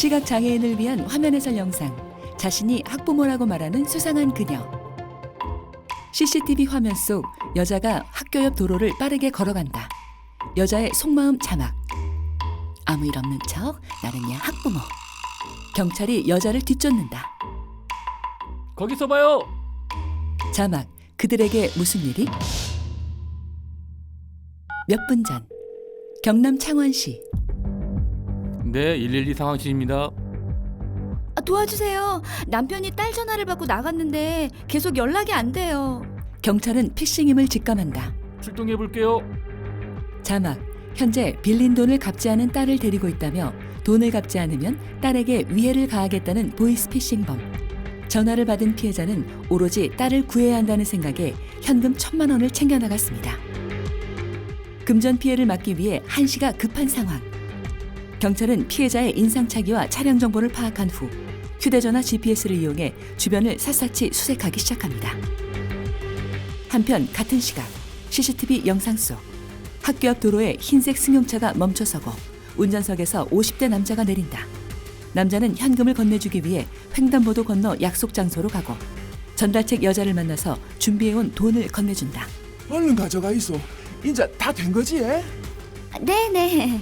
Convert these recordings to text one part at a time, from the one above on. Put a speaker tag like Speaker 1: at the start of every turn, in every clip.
Speaker 1: 시각장애인을 위한 화면 해설 영상. 자신이 학부모라고 말하는 수상한 그녀. CCTV 화면 속 여자가 학교 옆 도로를 빠르게 걸어간다. 여자의 속마음 자막. 아무 일 없는 척 나는야 학부모. 경찰이 여자를 뒤쫓는다.
Speaker 2: 거기서 봐요.
Speaker 1: 자막. 그들에게 무슨 일이? 몇 분 전 경남 창원시.
Speaker 2: 네, 112 상황실입니다.
Speaker 3: 도와주세요. 남편이 딸 전화를 받고 나갔는데 계속 연락이 안 돼요.
Speaker 1: 경찰은 피싱임을 직감한다.
Speaker 2: 출동해 볼게요.
Speaker 1: 자막. 현재 빌린 돈을 갚지 않은 딸을 데리고 있다며 돈을 갚지 않으면 딸에게 위해를 가하겠다는 보이스피싱범. 전화를 받은 피해자는 오로지 딸을 구해야 한다는 생각에 현금 1,000만 원을 챙겨나갔습니다. 금전 피해를 막기 위해 한시가 급한 상황. 경찰은 피해자의 인상착의와 차량 정보를 파악한 후 휴대전화 GPS를 이용해 주변을 샅샅이 수색하기 시작합니다. 한편 같은 시각 CCTV 영상 속 학교 앞 도로에 흰색 승용차가 멈춰서고 운전석에서 50대 남자가 내린다. 남자는 현금을 건네주기 위해 횡단보도 건너 약속 장소로 가고 전달책 여자를 만나서 준비해온 돈을 건네준다.
Speaker 4: 얼른 가져가 있어. 이제 다 된 거지?
Speaker 3: 네네.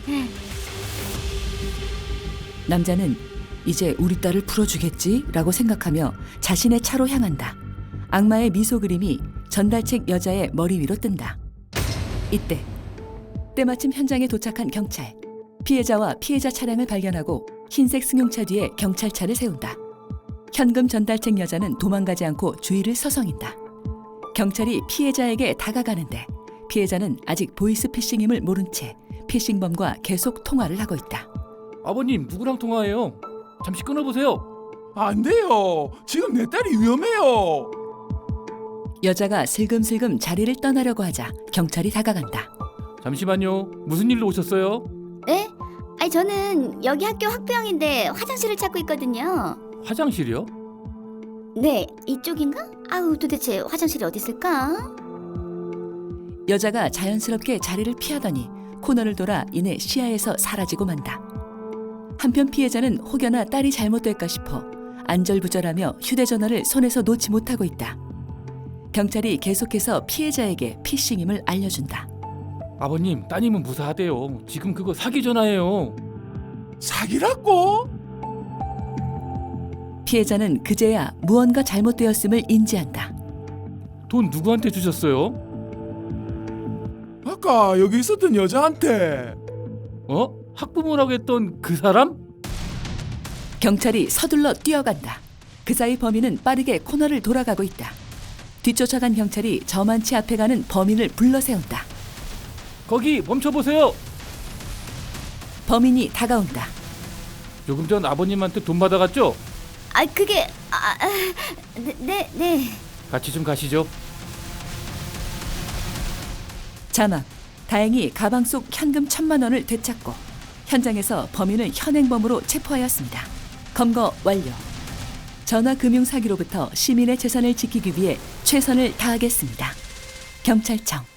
Speaker 1: 남자는 이제 우리 딸을 풀어주겠지라고 생각하며 자신의 차로 향한다. 악마의 미소 그림이 전달책 여자의 머리 위로 뜬다. 이때 때마침 현장에 도착한 경찰. 피해자와 피해자 차량을 발견하고 흰색 승용차 뒤에 경찰차를 세운다. 현금 전달책 여자는 도망가지 않고 주위를 서성인다. 경찰이 피해자에게 다가가는데 피해자는 아직 보이스피싱임을 모른 채 피싱범과 계속 통화를 하고 있다.
Speaker 2: 아버님, 누구랑 통화해요? 잠시 끊어보세요.
Speaker 4: 안 돼요. 지금 내 딸이 위험해요.
Speaker 1: 여자가 슬금슬금 자리를 떠나려고 하자 경찰이 다가간다.
Speaker 2: 잠시만요. 무슨 일로 오셨어요?
Speaker 3: 네? 저는 여기 학교 학부형인데 화장실을 찾고 있거든요.
Speaker 2: 화장실이요?
Speaker 3: 네, 이쪽인가? 도대체 화장실이 어디 있을까?
Speaker 1: 여자가 자연스럽게 자리를 피하더니 코너를 돌아 이내 시야에서 사라지고 만다. 한편 피해자는 혹여나 딸이 잘못될까 싶어 안절부절하며 휴대전화를 손에서 놓지 못하고 있다. 경찰이 계속해서 피해자에게 피싱임을 알려준다.
Speaker 2: 아버님, 따님은 무사하대요. 지금 그거 사기 전화예요.
Speaker 4: 사기라고?
Speaker 1: 피해자는 그제야 무언가 잘못되었음을 인지한다.
Speaker 2: 돈 누구한테 주셨어요?
Speaker 4: 아까 여기 있었던 여자한테.
Speaker 2: 학부모라고 했던 그 사람?
Speaker 1: 경찰이 서둘러 뛰어간다. 그 사이 범인은 빠르게 코너를 돌아가고 있다. 뒤쫓아간 경찰이 저만치 앞에 가는 범인을 불러세운다.
Speaker 2: 거기 멈춰보세요.
Speaker 1: 범인이 다가온다.
Speaker 2: 조금 전 아버님한테 돈 받아갔죠?
Speaker 3: 그게 네.
Speaker 2: 같이 좀 가시죠.
Speaker 1: 자막. 다행히 가방 속 현금 1,000만 원을 되찾고 현장에서 범인을 현행범으로 체포하였습니다. 검거 완료. 전화금융 사기로부터 시민의 재산을 지키기 위해 최선을 다하겠습니다. 경찰청.